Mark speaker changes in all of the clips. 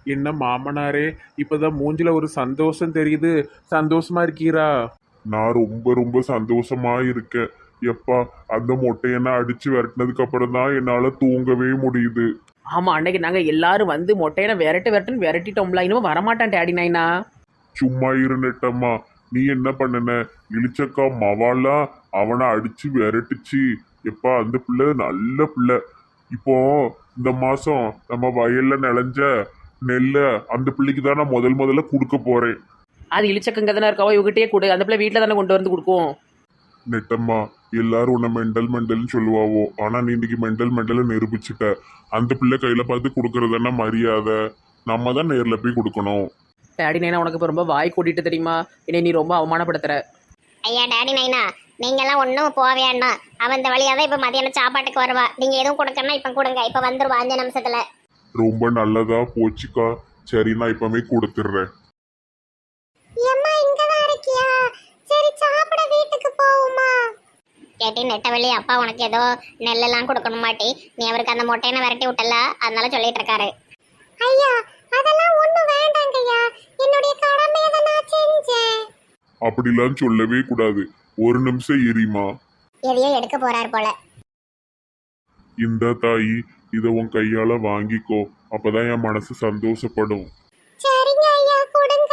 Speaker 1: என்ன மாமனாரே, இப்பதான் மூஞ்சில ஒரு சந்தோஷம் தெரியுது. சந்தோஷமா இருக்கீரா?
Speaker 2: நான் ரொம்ப ரொம்ப சந்தோஷமா இருக்கேன். எப்பா, அந்த மொட்டையெல்லாம் அடிச்சு விரட்டினதுக்கு அப்புறம் தான் என்னால தூங்கவே முடியுது.
Speaker 3: ஆமாம், அன்னைக்கு நாங்கள் எல்லாரும் வந்து மொட்டையனை விரட்டுன்னு விரட்டிட்டோம்ல. இனிமே வரமாட்டான் டேடி நைனா.
Speaker 2: சும்மா இரு நெட்டம்மா. நீ என்ன பண்ணுன? இளிச்சக்கா மவாலா அவனை அடிச்சு விரட்டுச்சு. எப்பா, அந்த பிள்ளை நல்ல பிள்ளை. இப்போ இந்த மாசம் நம்ம வயல்ல நிலஞ்ச நெல்ல அந்த பிள்ளைக்கு தான் நான் முதல்ல கொடுக்க போறேன்.
Speaker 3: அது இழிச்சக்கங்க தானே இருக்காவோ, இவகிட்டே கொடு. அந்த பிள்ளை வீட்டில் தானே கொண்டு வந்து கொடுக்கும்.
Speaker 2: நெட்டம்மா, எல்லாரும் உன்னை மெண்டல்னு சொல்லுவாவோ, ஆனா நீ இன்னைக்கு மெண்டல் நிரூபிச்சுட்ட. அந்த பிள்ளை கையில பார்த்து கொடுக்கறதுன்னா மரியாதை. நம்ம தான் நேர்ல போய் கொடுக்கணும்.
Speaker 3: டேடி நைனா, உனக்கு இப்போ ரொம்ப வாய் கூட்டிட்டு தெரியுமா? என்னை நீ ரொம்ப அவமானப்படுத்துற.
Speaker 4: ஐயா டாடி நைனா, நீங்கெல்லாம் ஒன்றும் போக வேண்டாம். அவன் இந்த வழியாக தான் இப்போ மதியானம் சாப்பாட்டுக்கு வருவா. நீங்கள் எதுவும் கொடுக்கணும்னா இப்போ கொடுங்க. இப்போ வந்துருவா 5 நிமிஷத்துல.
Speaker 2: ரொம்ப நல்லதா போச்சுக்கா. சரி, நான் இப்பவே கொடுத்துட்றேன்.
Speaker 4: அம்மா இங்க தான் இருக்கியா? சரி, சாப்பிட வீட்டுக்கு போவோமா? கேட்டி நெட்டவெளி அப்பா உனக்கு ஏதோ நெல்லெல்லாம் கொடுக்கணும் மாட்டி. நீ அவருக்கு அந்த மொட்டையனை விரட்டி விட்டல, அதனால சொல்லிட்டு இருக்காரு. ஐயா, அதெல்லாம் ஒன்றும் வேண்டாங்க ஐயா. என்னுடைய கடமையை தான் நான் செஞ்சேன்.
Speaker 2: அப்படிலாம் சொல்லவே கூடாது. ஒரு நிமிஷம் எரியுமா.
Speaker 4: எதையோ எடுக்க போறார் போல.
Speaker 2: இந்த தாயி, இதை உன் கையால வாங்கிக்கோ. அப்பதான் என் மனசு சந்தோஷப்படும்.
Speaker 4: சரிங்க ஐயா, கொடுங்க.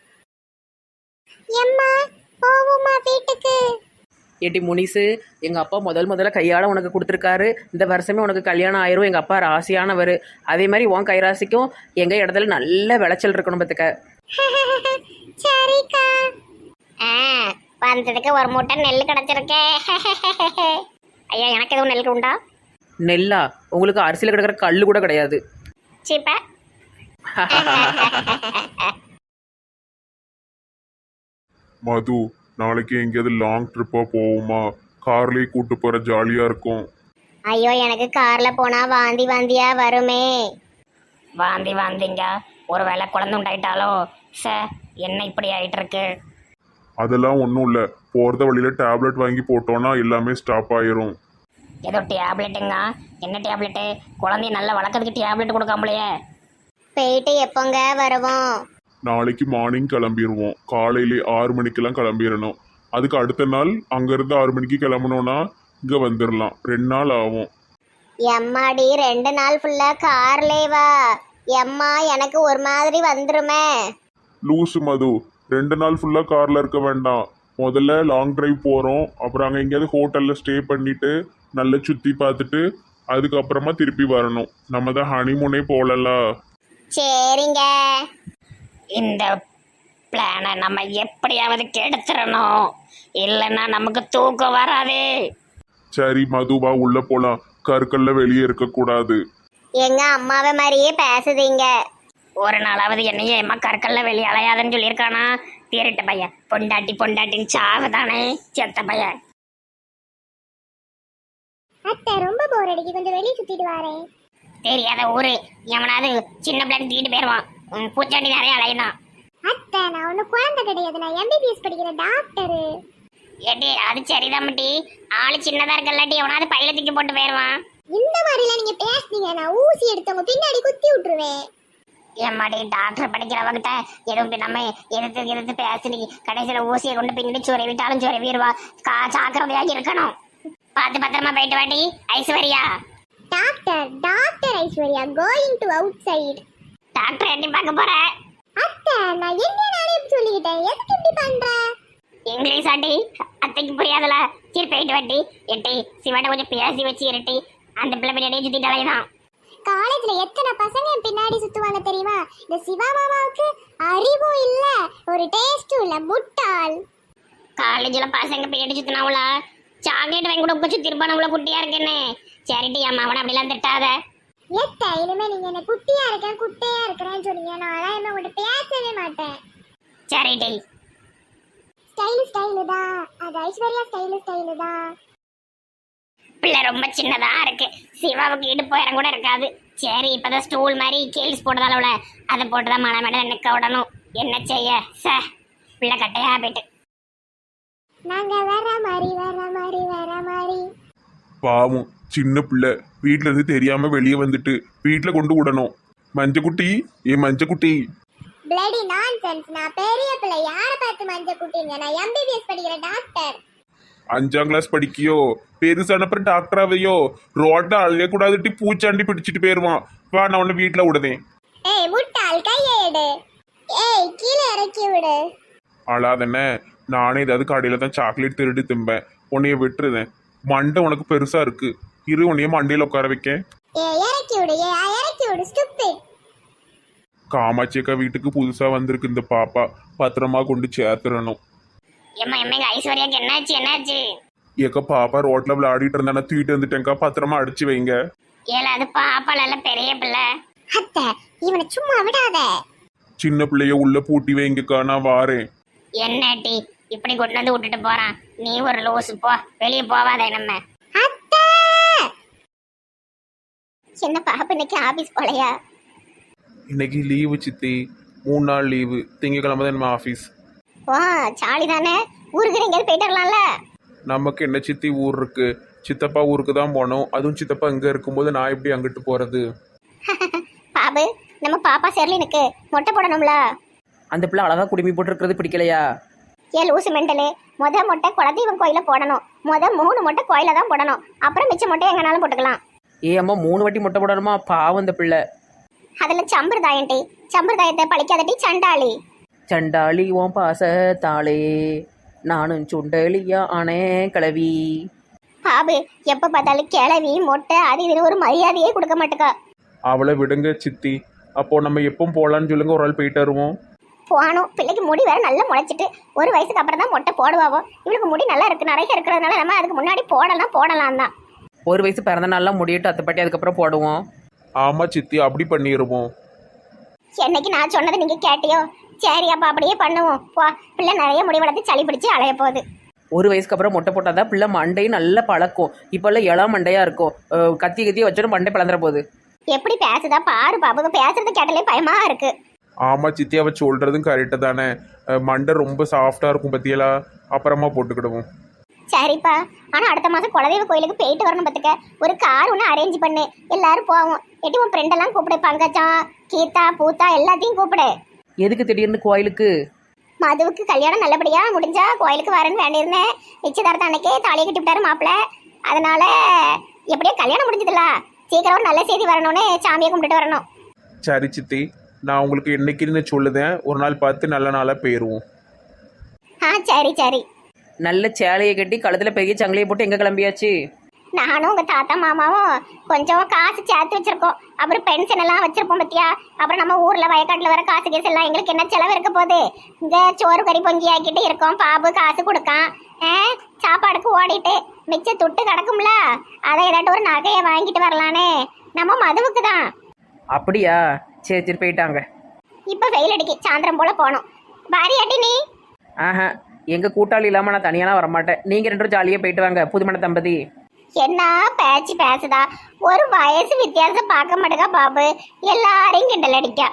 Speaker 4: எம்மா, போவோமா வீட்டுக்கு?
Speaker 3: ஏட்டி முனிசு, எங்கள் அப்பா முதல்ல கையால் உனக்கு கொடுத்துருக்காரு. இந்த வருஷமே உனக்கு கல்யாணம் ஆயிரும். எங்கள் அப்பா ராசியானவர். அதே மாதிரி உன் கைராசிக்கும் எங்கள் இடத்துல நல்ல விளைச்சல் இருக்கணும் பார்த்துக்க.
Speaker 4: சரிக்கா. வந்ததுக்கு ஒரு மூட்டை நெல் கிடைச்சிருக்கே. ஐயா, எனக்கு எதுவும் நெல் உண்டா?
Speaker 3: நெல்லா? உங்களுக்கு அரிசியில் கிடக்கிற கல் கூட கிடையாது.
Speaker 4: சீப்ப.
Speaker 2: மது, நாளைக்கு எங்கேயாவது லாங் ட்ரிப்பா போவோமா? கார்லயே கூட்டு போற, ஜாலியா இருக்கும்.
Speaker 4: ஐயோ, எனக்கு கார்ல போனா வாந்தி வாந்தியா வருமே.
Speaker 5: வாந்திங்க. ஒரு வேளை குழந்தை உண்டாயிட்டாலோ என்ன இப்படி ஆயிட்டு இருக்கு?
Speaker 2: அதெல்லாம் ஒன்றும் இல்லை. போகிறத வழியில டேப்லெட் வாங்கி போட்டோன்னா எல்லாமே ஸ்டாப் ஆயிரும்.
Speaker 5: ஏதோ டேப்லெட்டுங்க? என்ன டேப்லெட்டு? குழந்தைய நல்லா வளர்க்கறதுக்கு டேப்லெட் கொடுக்காமலையே.
Speaker 4: போயிட்டு எப்போங்க வருவோம்?
Speaker 2: நாளைக்கு மார்னிங் கிளம்பிடுவோம். காலையிலே 6 மணிக்கெல்லாம் கிளம்பிடணும். அதுக்கு அடுத்த நாள் அங்கேருந்து 6 மணிக்கு கிளம்பணும்னா இங்கே வந்துடலாம். 2 நாள் ஆகும்.
Speaker 4: எம்மாடி, 2 நாள் ஃபுல்லா கார்லே வா? எம்மா, எனக்கு ஒரு மாதிரி வந்துருமே.
Speaker 2: லூசு மது, 2 நாள் ஃபுல்லாக காரில் இருக்க வேண்டாம். முதல்ல லாங் டிரைவ் போகிறோம். அப்புறம் அங்கே எங்கேயாவது ஹோட்டலில் ஸ்டே பண்ணிவிட்டு நல்லா சுற்றி பார்த்துட்டு அதுக்கப்புறமா திருப்பி வரணும். நம்ம தான் ஹனிமூனே போகலல்ல.
Speaker 4: சரிங்க.
Speaker 5: இந்த பிளானை நம்ம எப்படியாவது கெடுத்துடணும், இல்லைன்னா நமக்கு தூக்கம் வராதே.
Speaker 2: சரி மதுவா, உள்ளே போகலாம். கற்கல்ல வெளியே இருக்கக்கூடாது.
Speaker 4: எங்க அம்மாவை மாதிரியே பேசுதீங்க.
Speaker 5: ஒரு நாளாவது என்னையே எம்மா கற்கல்ல வெளியே அலையாதுன்னு சொல்லியிருக்கானா? திருட்டு பையன். பொண்டாட்டின்னு சாவுதானே செத்த பையன்.
Speaker 4: அத்தை, ரொம்ப போர் அடிக்கு, கொஞ்சம் வெளியே சுத்திட்டு வரேன்.
Speaker 5: தெரியாத ஊரு எவனாவது சின்ன பிள்ளைன்னு தூக்கிட்டு போயிடுவான். பூச்சாண்டி நிறைய அலையதான்.
Speaker 4: அத்தை, நான் ஒன்றும் குழந்தை கிடையாது. நான் எம்பிபிஎஸ் படிக்கிற டாக்டரு.
Speaker 5: ஏட்டி, அது சரிதான் மட்டி. ஆளு சின்னதா இருக்கல்லாட்டி எவனாவது பையில தூக்கி போட்டு போயிடுவான்.
Speaker 4: இந்த மாதிரிலாம் நீங்க பேசுனீங்க, நான் ஊசி எடுத்தவங்க பின்னாடி குத்தி விட்டுருவேன்.
Speaker 5: ஏமாடி, டாக்டர் படிக்கிறவங்கிட்ட எதுவும் நம்ம எதிர்த்து பேசி கடைசியில் ஊசியை கொண்டு பின்னாடி சுரை விட்டாலும் சுரை வீருவா. ஜாக்கிரதையாக இருக்கணும். பார்த்து பத்திரமா போயிட்டு வாட்டி Aishwarya.
Speaker 4: Doctor Aishwarya going to outside.
Speaker 5: Doctor எட்டி பார்க்க போற?
Speaker 4: அத்தை, நான் என்ன நானே சொல்லிக்கிட்டேன். எதுக்கு இப்படி பண்ற?
Speaker 5: இங்கிலீஷ் ஆட்டி அத்தைக்கு புரியாதுல. சரி, போயிட்டு வாட்டி. எட்டி சிவாட்ட கொஞ்சம் பேசி வச்சு இருட்டி. அந்த பிள்ளை பின்னாடியே சுத்திட்டாலே தான்.
Speaker 4: காலேஜ்ல எத்தனை பசங்க என் பின்னாடி சுத்துவாங்க தெரியுமா? இந்த சிவா மாமாவுக்கு அறிவும் இல்ல, ஒரு டேஸ்டும் இல்ல, முட்டாள்.
Speaker 5: காலேஜ்ல பசங்க பின்னாடி சுத்தினாவுல சாக்லேட் வாங்கி கூட உட்காந்து திருப்பானவுல குட்டியா இருக்கேன்னு. சரிட்டி, அம்மா அவனை அப்படிலாம் திட்டாத.
Speaker 4: எத்த, இனிமே நீங்க என்ன குட்டியா இருக்கேன் குட்டையா இருக்கிறேன்னு சொன்னீங்க, நான் என்ன உங்கள்கிட்ட பேசவே மாட்டேன்.
Speaker 5: சரிட்டி.
Speaker 4: ஸ்டைலு தான் அது. ஐஸ்வர்யா ஸ்டைலு தான்.
Speaker 5: பிள்ளை ரொம்ப சின்னதா இருக்கு. சிவாவுக்கு இடுப்பு இடம் கூட இருக்காது. சரி, இப்பதான் ஸ்டூல் மாதிரி கேள்ஸ் போட்டதால அதை போட்டுதான் மழை மேடம் நிற்க விடணும். என்ன செய்ய பிள்ளை கட்டையா போயிட்டு.
Speaker 4: நாங்க வர மாதிரி.
Speaker 2: பாவம் சின்ன பிள்ளை வீட்டுல இருந்து தெரியாம வெளியே வந்துட்டு வீட்டுல கொண்டு விடணும்.
Speaker 1: மஞ்சக்குட்டி ஏ மஞ்சக்குட்டி.
Speaker 4: Bloody nonsense. நான் பெரிய பிள்ளை, யார பார்த்து மஞ்ச குட்டிங்க? நான் எம்பிபிஎஸ் படிக்கிற டாக்டர்.
Speaker 1: 5ஆம் கிளாஸ் படிக்கியோ? பெருசான அப்புறம் டாக்டராவையோ? ரோட்ல அழைய கூடாதுட்டி, பூச்சாண்டி பிடிச்சிட்டு போயிருவான். வா நான் உன்னை வீட்டுல விடுதேன்.
Speaker 4: ஏய் முட்டாள், கையை எடு. ஏய் கீழே இறக்கி விடு.
Speaker 1: அழாதண்ணே, நானே ஏதாவது கடையில தான் சாக்லேட் திருடி திம்பேன். உன்னைய விட்டுருதேன். மண்டை உனக்கு பெருசா இருக்கு, இரு உன்னைய மண்டையில உட்கார வைக்க.
Speaker 4: ஏய் இறக்கி விடு, ஏய் இறக்கி விடு ஸ்டூபிட்.
Speaker 1: காமாட்சி அக்கா வீட்டுக்கு புதுசா வந்திருக்கு இந்த பாப்பா, பத்திரமா கொண்டு சேர்த்துறணும்.
Speaker 5: எம்மா எம்மா எங்க ஐஸ்வர்யாக்கு என்னாச்சு?
Speaker 1: ஏக்கா பாப்பா ரோட்ல விளையாடிட்டு இருந்தா தூக்கிட்டு வந்துட்டேங்க்கா, பத்திரமா அடிச்சு வைங்க.
Speaker 5: ஏல அது பாப்பால பெரிய பிள்ளை.
Speaker 4: அத்தை இவனை சும்மா விடாத.
Speaker 1: சின்ன பிள்ளைய உள்ள பூட்டி வைங்கக்கா, நான் வாரேன்.
Speaker 5: என்னடி இப்படி கொண்டு வந்து விட்டுட்டு போறான்? நீ ஒரு லூசு, போ வெளியே போவாதே. நம்ம
Speaker 4: அத்தை என்ன பாப்பா இன்னைக்கு ஆபீஸ் போலையா?
Speaker 1: இன்னைக்கு லீவு சித்தி, 3 நாள் லீவு. திங்கக்கிழமை தான் நம்ம ஆஃபீஸ்.
Speaker 4: வா சாலி தானே, ஊருக்கு எங்கேயாவது போயிட்டு வரலாம்ல.
Speaker 1: நமக்கு என்ன சித்தி ஊர் இருக்கு, சித்தப்பா ஊருக்கு தான் போனோம். அதுவும் சித்தப்பா இங்க இருக்கும்போது நான் எப்படி அங்கிட்டு போறது?
Speaker 4: பாபு நம்ம பாப்பா செர்லினுக்கு மொட்டை போடணும்ல.
Speaker 3: அந்த பிள்ளை அழகா குடுமி போட்டுருக்கிறது பிடிக்கலையா?
Speaker 4: ஏ லூசு மெண்டலு, மொட்டை குலதெய்வம் கோயில போடணும். 3 மொட்டை கோயில தான் போடணும், அப்புறம் மிச்ச மொட்டை எங்கனாலும் போட்டுக்கலாம்.
Speaker 3: ஏ அம்மா 3 வாட்டி மொட்டை போடணுமா? பாவம் இந்த பிள்ளை.
Speaker 4: அதில் சம்பிரதாயம்டி, சம்பிரதாயத்தை பழிக்காதட்டி சண்டாளி.
Speaker 3: சண்டாளி ஓம் பாசத்தாளே, நானும் சுண்டலியா ஆனே கிளவி.
Speaker 4: பாபு எப்ப பார்த்தாலும் கிளவி மொட்டை அது இதுன்னு ஒரு மரியாதையே கொடுக்க மாட்டேக்கா.
Speaker 1: அவளை விடுங்க சித்தி. அப்போ நம்ம எப்போ போலான்னு சொல்லுங்க, ஒரு ஆள் போயிட்டு வருவோம்.
Speaker 4: போனோம், பிள்ளைக்கு முடி வேற நல்லா முளைச்சிட்டு 1 வயசுக்கு அப்புறம் தான் மொட்டை போடுவாவோ. இவளுக்கு முடி நல்லா இருக்கு, நிறைய இருக்கிறதுனால நம்ம அதுக்கு முன்னாடி போடலாம் தான்.
Speaker 3: 1 வயசு பிறந்த நாள்லாம் முடியட்டும், அத்தைப்பாட்டி அதுக்கப்புறம் போடுவோம்.
Speaker 1: ஆமா சித்தி, அப்படி பண்ணிடுவோம்.
Speaker 4: என்னைக்கு நான் சொன்னதை நீங்க கேட்டியோ? சரி அப்ப அப்படியே பண்ணுவோம். போ, பிள்ளை நிறைய முடி வளர்த்து சளி பிடிச்சி அலைய போகுது.
Speaker 3: 1 வயசுக்கு அப்புறம் மொட்டை போட்டாதான் பிள்ளை மண்டையும் நல்லா பழக்கும். இப்போல்லாம் இளம் மண்டையா இருக்கும், கத்தி வச்சோன்னு மண்டை பிளந்துற போகுது.
Speaker 4: எப்படி பேசுதா பாரு பாபு, பேசுறது கேட்டாலே பயமா இருக்கு.
Speaker 1: ஆமா சித்தி, அவ சொல்றதும் கரெக்டு தானே. மண்டை ரொம்ப சாஃப்டா இருக்கும் பத்தியலா, அப்புறமா போட்டுக்கிடுவோம்.
Speaker 4: சரிப்பா, ஆனா அடுத்த மாசம் குலதெய்வ கோயிலுக்கு போயிட்டு வரணும் பத்துக்க. ஒரு கார் ஒன்று அரேஞ்ச் பண்ணு, எல்லாரும் போவோம். எட்டி உன் ஃப்ரெண்டெல்லாம் கூப்பிடு, பங்கஜம் கீதா பூத்தா எல்லாத்தையும் கூப்பிடு.
Speaker 3: எதுக்கு திடீர்னு கோயிலுக்கு?
Speaker 4: மதுவுக்கு கல்யாணம் நல்லபடியா முடிஞ்சா கோயிலுக்கு வரேன்னு வேண்டியிருந்தேன். நிச்சயதார்த்தம் அன்னைக்கே தாலியை கட்டி விட்டாரு மாப்பிள்ள. அதனால எப்படியோ கல்யாணம் முடிஞ்சதுல சீக்கிரம் ஒரு நல்ல செய்தி வரணும்னு சாமியை கும்பிட்டுட்டு வரணும்.
Speaker 1: சரி சித்தி, நான் உங்களுக்கு என்னைக்குன்னு சொல்லுதேன், ஒரு நாள் பார்த்து நல்ல நாளாக போயிடுவோம்.
Speaker 4: சரி.
Speaker 3: நல்ல சேலையை கட்டி கழுத்தில் பெரிய சங்கிலியை போட்டு எங்கே கிளம்பியாச்சு?
Speaker 4: நானும் உங்க தாத்தா மாமாவும் கொஞ்சம் காசு சேர்த்து வச்சிருக்கோம். அப்புறம் பென்ஷன் எல்லாம் வச்சிருப்போம் பத்தியா. அப்புறம் நம்ம ஊர்ல வயக்காட்டுல வர காசு கேஸ் எல்லாம் எங்களுக்கு என்ன செலவு இருக்க போகுது? இந்த சோறு கறி பொங்கி ஆக்கிட்டு இருக்கோம். பாபு காசு கொடுக்கான், சாப்பாடுக்கு ஓடிட்டு மிச்ச துட்டு கிடக்கும்ல, அதை ஏதாட்டும் ஒரு நகையை வாங்கிட்டு வரலானே. நம்ம மதுவுக்கு தான்.
Speaker 3: அப்படியா? சரி போயிட்டாங்க.
Speaker 4: இப்ப வெயில் அடிக்கி, சாயந்தரம் போல போனோம். பாரியாட்டி நீ?
Speaker 3: ஆஹா, எங்கள் கூட்டாளி இல்லாமல் நான் தனியாலாம் வரமாட்டேன். நீங்கள் 2 பேரும் ஜாலியாக போயிட்டு வாங்க. புதுமண தம்பதி
Speaker 4: என்ன பேச்சு பேசுதா? ஒரு வயசு வித்தியாசம் பார்க்க மாட்டேங்க பாபு, எல்லாரையும் கிண்டல் அடிக்கா.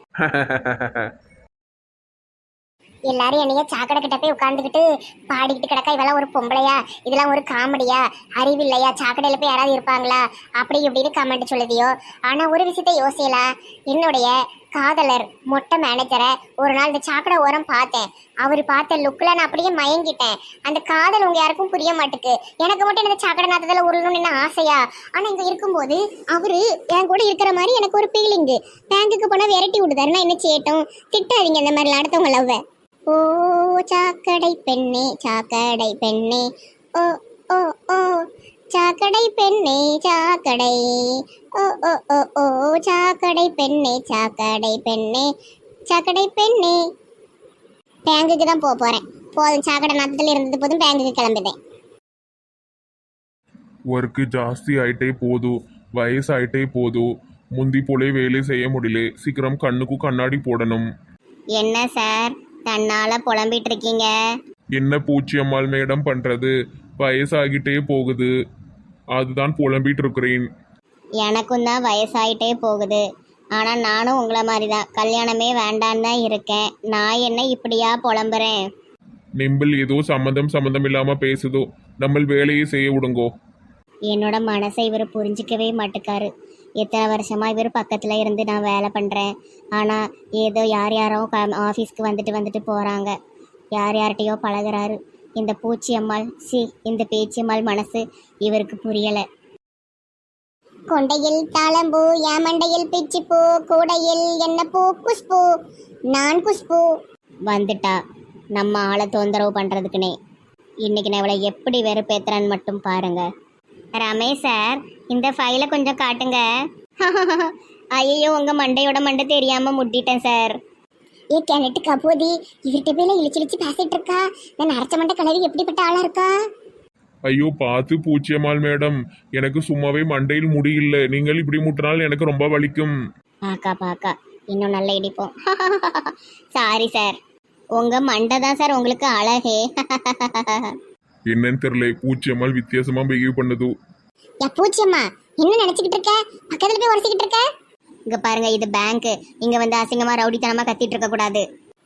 Speaker 4: எல்லாரும் என்னைய சாக்கடை கிட்ட போய் உட்காந்துக்கிட்டு பாடிக்கிட்டு கிடக்கா, இவெல்லாம் ஒரு பொம்பளையா, இதெல்லாம் ஒரு காமெடியா, அறிவில்லையா, சாக்கடையில போய் யாராவது இருப்பாங்களா அப்படி இப்படின்னு கமெண்ட் சொல்லுதியோ. ஆனா ஒரு விஷயத்த யோசியலா, என்னுடைய காதலர் மொட்டை மேனேஜரை ஒரு நாள் இந்த சாக்கடை ஓரம் பார்த்தேன். அவர் பார்த்த லுக்கில் நான் அப்படியே மயங்கிட்டேன். அந்த காதல் உங்க யாருக்கும் புரிய மாட்டுக்கு. எனக்கு மட்டும் இந்த சாக்கடை நாத்தத்தில் உருளணும்னு என்ன ஆசையா? ஆனா இங்க இருக்கும்போது அவரு என் கூட இருக்கிற மாதிரி எனக்கு ஒரு ஃபீலிங்கு. பேங்குக்கு போனா விரட்டி விடுதாரு, நான் என்ன செய்யட்டும்? திட்டாதீங்க இந்த மாதிரிலாம் அடுத்தவங்க லவ்வை. ஓ சாக்கடை பெண்ணே சாக்கடை பெண்ணே, ஓ ஓ ஓ சாக்கடை பெண்ணே சாக்கடை, ஓ ஓ ஓ ஓ சாக்கடை பெண்ணே சாக்கடை பெண்ணே சாக்கடை பெண்ணே. பேங்குக்கு தான் போறேன். போதும், சாக்கடை நாத்தத்தில் இருந்தது போதும், பேங்குக்கு கிளம்பிட்டேன்.
Speaker 1: ஒர்க்கு ஜாஸ்தி ஆயிட்டே போதும், வயசாயிட்டே போதும், முந்தி போலே வேலை செய்ய முடியல. சீக்கிரம் கண்ணுக்கு கண்ணாடி போடணும்.
Speaker 4: என்ன சார் தன்னால புலம்பிட்டு இருக்கீங்க?
Speaker 1: என்ன பூச்சி அம்மாள் மேடம் பண்றது, வயசாகிட்டே போகுது, அதுதான் புலம்பிட்டு இருக்கிறேன்.
Speaker 4: எனக்கும் தான் வயசாயிட்டே போகுது. ஆனால் நானும் உங்களை மாதிரி தான் கல்யாணமே வேண்டான்னு தான் இருக்கேன். நான் என்ன இப்படியா புலம்புறேன்?
Speaker 1: நிம்பிள் ஏதோ சம்மந்தம் இல்லாம பேசுதோ, நம்ம வேலையை செய்ய விடுங்கோ.
Speaker 4: என்னோட மனசை இவர் புரிஞ்சிக்கவே மாட்டுக்காரு. எத்தனை வருஷமா இவர் பக்கத்தில் இருந்து நான் வேலை பண்ணுறேன். ஆனால் ஏதோ யார் யாரோ ஆஃபீஸ்க்கு வந்துட்டு போகிறாங்க. யார் யார்கிட்டயோ பழகுறாரு. இந்த பூச்சியம்மாள் இந்த பேச்சியம்மாள் மனசு இவருக்கு புரியலை. கொண்டையில் தாளம்பூ, ஏமண்டையில் பிச்சிப்பூ, கூடையில் என்ன பூ, குஷ்பூ, நான் குஷ்பூ. வந்துட்டா நம்ம ஆளை தொந்தரவு பண்ணுறதுக்குனே. இன்னைக்கு நான் இவளை எப்படி வெறுப்பேத்துறான்னு மட்டும் பாருங்க. ரமேஷ் சார், இந்த ஃபைலை கொஞ்சம் காட்டுங்க. ஐயோ, உங்கள் மண்டையோட மண்டை தெரியாமல் முட்டிட்டேன் சார். ஏ கிணட்டு கபோதி, இவர்கிட்ட போய் இழிச்சு பேசிட்டு இருக்கா. நான் அரைச்ச மண்டை கலவி எப்படிப்பட்ட ஆளாக இருக்கா?
Speaker 1: ஐயோ பார்த்து பூச்சியம்மாள் மேடம், எனக்கு சும்மாவே மண்டையில் முடியல. நீங்கள் இப்படி முட்டினால் எனக்கு ரொம்ப வலிக்கும்.
Speaker 4: பாக்கா இன்னும் நல்லா இடிப்போம். சாரி சார், உங்கள் மண்டை தான் சார் உங்களுக்கு அழகே.
Speaker 1: என்னன்னு தெரியல, பூச்சியம்மாள் வித்தியாசமா பிஹேவ் பண்ணுது.
Speaker 4: பூச்சியம்மா, என்ன நினைச்சுக்கிட்டு இருக்க? பக்கத்துல போய் உரசிக்கிட்டு இருக்க? இங்க பாருங்க, இது பேங்க். இங்க வந்து அசிங்கமா ரவுடித்தனமா கத்திட்டு இருக்க கூடாது.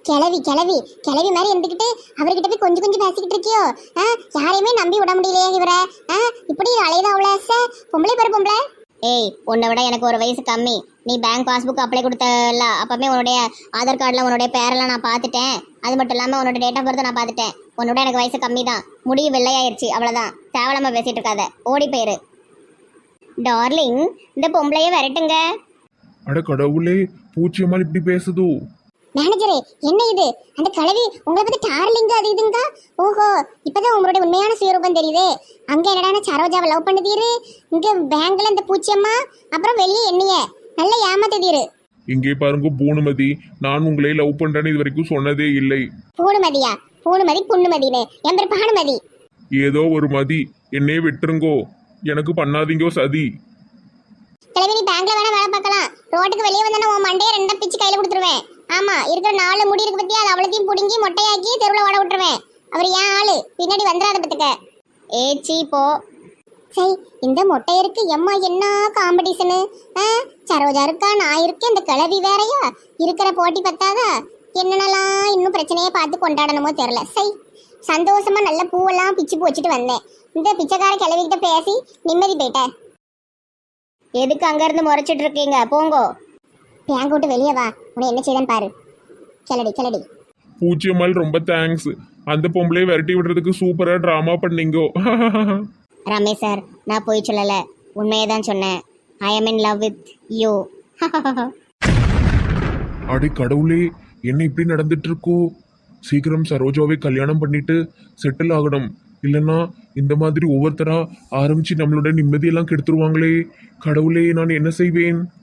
Speaker 4: கிளவி மாதிரி இருந்துக்கிட்டு அவர்கிட்ட போய் கொஞ்சம் பேசிக்கிட்டு இருக்கியோ? யாரையுமே நம்பி விட முடியலையே இவரை. இப்படி அலையதான் அவ்வளோ பொம்பளை பேர் பொம்பளை. ஏய், உன்னை விட எனக்கு ஒரு வயசு கம்மி. நீ பேங்க் பாஸ்புக் அப்ளை கொடுத்தல அப்பவே உன்னுடைய ஆதார் கார்டில் உன்னுடைய பேரெல்லாம் நான் பார்த்துட்டேன். அது மட்டும் இல்லாமல் உன்னோட டேட் ஆஃப் பர்த் நான் பார்த்துட்டேன். உன்னோட எனக்கு வயசு கம்மி தான். முடிவு வெள்ளையாயிருச்சு, அவ்வளோதான். தேவலாம பேசிட்டு இருக்காத, ஓடி போயிரு. டார்லிங், இந்த பொம்பளையே வரட்டுங்க.
Speaker 1: அட கடவுளே, பூச்சியம்மாள் இப்படி பேசுது.
Speaker 4: மேனேஜரே, என்ன இது? அந்த கலவி உங்களை பத்தி டார்லிங்க அது இதுங்க. ஓஹோ, இப்பதான் உங்களுடைய உண்மையான சுயரூபம் தெரியுது. அங்க என்னடா சரோஜாவை லவ் பண்ணுதீரு, இங்க பேங்க்ல இந்த பூச்சியம்மா, அப்புறம் வெளியே என்னைய நல்ல ஏமாத்துதீரு.
Speaker 1: இங்கே பாருங்க பூனுமதி, நான் உங்களை லவ் பண்றேன்னு இது வரைக்கும் சொன்னதே இல்லை.
Speaker 4: பூணுமதியா? பூணுமதி புண்ணுமதினு என் பேர் பானுமதி.
Speaker 1: ஏதோ ஒரு மதி, என்னையே விட்டுருங்கோ. எனக்கு பண்ணாதீங்கோ சதி.
Speaker 4: கிளவி, நீ பேங்க்ல வேணா வேலை பார்க்கலாம். ரோட்டுக்கு வெளியே வந்தா உன் மண்டையை ரெண்டா பிச்சு கையில கொடுத்துருவேன். ஆமா, இருக்கிற 4 முடி இருக்கு பத்தி, அது அவ்வளோத்தையும் புடுங்கி மொட்டையாக்கி தெருவில் ஓட விட்டுருவேன். அவர் ஏன் ஆளு, பின்னாடி வந்துடாத பத்துக்க. ஏச்சி போ. சரி, இந்த மொட்டையருக்கு எம்மா என்ன காம்படிஷனு. சரோஜா இருக்கா, நான் இருக்கேன், இந்த கிளவி வேறையா. இருக்கிற போட்டி பத்தாதா? என்னென்னலாம் இன்னும் பிரச்சனையை பார்த்து கொண்டாடணுமோ தெரில. சரி, சந்தோஷமா நல்ல பூவெல்லாம் பிச்சு வச்சுட்டு வந்தேன். இந்த பிச்சைக்கார கிளவிக்கிட்ட பேசி நிம்மதி போயிட்டேன். எதுக்கு அங்கேருந்து முறைச்சிட்டு இருக்கீங்க? போங்கோ, பேங்க் விட்டு வெளியே வா. உன்னை என்ன செய்தேன்னு பாரு. கிளடி.
Speaker 1: பூச்சியம்மாள் ரொம்ப தேங்க்ஸ். அந்த பொம்பளையை விரட்டி விடுறதுக்கு சூப்பரா டிராமா பண்ணீங்கோ.
Speaker 4: ரமேஷ் சார், நான் போய் சொல்லலை, உண்மையை தான் சொன்னேன். I am in love with you.
Speaker 1: அடே கடவுளே, என்ன இப்படி நடந்துட்டு இருக்கோ? சீக்கிரம் சரோஜாவை கல்யாணம் பண்ணிட்டு செட்டில் ஆகணும். இல்லைன்னா இந்த மாதிரி ஒவ்வொருத்தரா ஆரம்பிச்சு நம்மளோட நிம்மதியெல்லாம் கெடுத்துருவாங்களே. கடவுளே, நான் என்ன செய்வேன்?